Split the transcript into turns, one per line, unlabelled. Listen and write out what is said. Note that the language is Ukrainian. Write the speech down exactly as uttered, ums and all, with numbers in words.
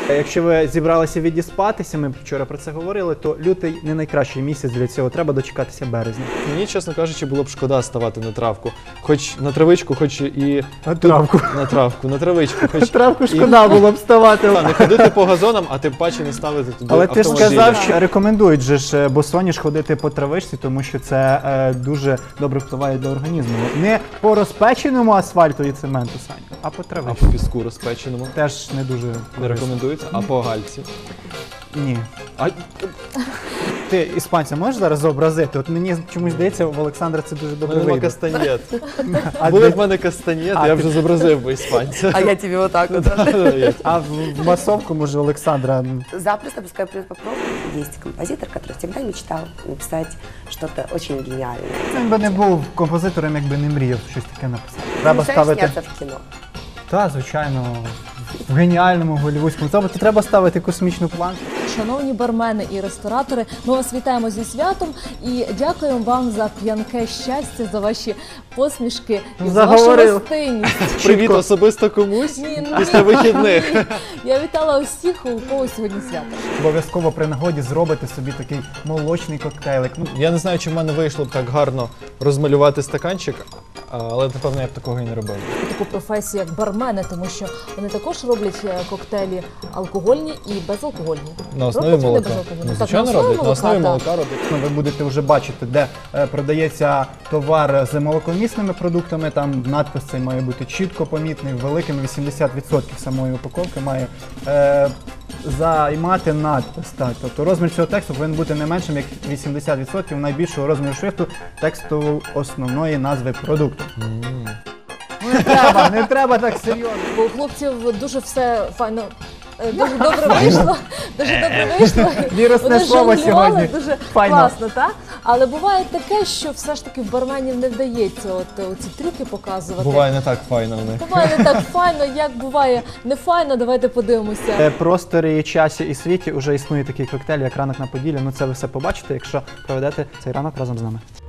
Якщо ви зібралися відіспатися, ми вчора про це говорили, то лютий не найкращий місяць для цього, треба дочекатися березня.
Мені, чесно кажучи, було б шкода ставати на травку. Хоч на травичку, хоч і...
На травку.
На травку, на травичку. Хоч
На травку
і...
шкода було б ставати.
Та, не ходити по газонам, а тим паче не ставити туди
Але ти ж
автомобілі.
сказав, що рекомендують же ж босоніж ходити по травичці, тому що це е, дуже добре впливає до організму. Не по розпеченому асфальту і цементу, Саню, а по
А
травичці.
по піску розпеченому.
Теж не дуже
Не
корисно.
рекомендується, а по гальці.
Ні.
А...
Ти іспанця можеш зараз зобразити? От мені чомусь здається, в Олександра це дуже
У
добре
мене нема
вийде.
кастаньєт.
А,
Були
для-
в мене кастанєт,
А,
я
ти-
вже зобразив би іспанця.
А я тебе вот так вот.
а в, в масовку, може, Олександра.
Запросто, пускай попробуем. Есть композитор, который всегда мечтал написать что-то очень гениальное.
Він би не був композитором, якби не мріяв щось таке написати. Треба
Мечтаешь
ставити.
сняться в кино?
Та, звичайно, в геніальному голівудському. Тобто треба ставити космічну планку.
Шановні бармени і ресторатори, ми вас вітаємо зі святом і дякуємо вам за п'янке щастя, за ваші посмішки і за вашу
Заговорив.
гостинність.
Привіт особисто комусь
Ні, ні,
після вихідних.
ні. Я вітала усіх, у кого сьогодні свято.
Обов'язково при нагоді зробити собі такий молочний коктейлик. Ну,
Я не знаю, чи в мене вийшло б так гарно розмалювати стаканчик, але, напевно, я б такого і не робив.
Таку професію, як бармени, тому що вони також роблять е, коктейлі алкогольні і безалкогольні.
На основі
Роблять вони
молока.
безалкогольні?
Ну,
Так,
звичайно, роблять. На основі
так.
молока роблять.
Ну, ви будете вже бачити, де е, продається товар з молокомісними продуктами. Там надпис цей має бути чітко помітний, великим вісімдесят відсотків самої упаковки має е, займати надпис. Так. Тобто розмір цього тексту повинен бути не меншим, як вісімдесят відсотків найбільшого розміру шрифту тексту основної назви продукту. Ну, не треба, не треба так серйозно.
Бо у хлопців дуже все файно. е, Дуже добре вийшло, дуже добре вийшло.
Вірусне
Вони
слово
жонглювали
сьогодні.
дуже
Файно.
класно, так? Але буває таке, що все ж таки в барменів не вдається от е, ці трюки показувати.
Буває не так файно в них.
Буває не так файно, як буває не файно, давайте подивимося.
В просторі, часі і світі вже існує такий коктейль, як ранок на Поділлі. Ну це ви все побачите, якщо проведете цей ранок разом з нами.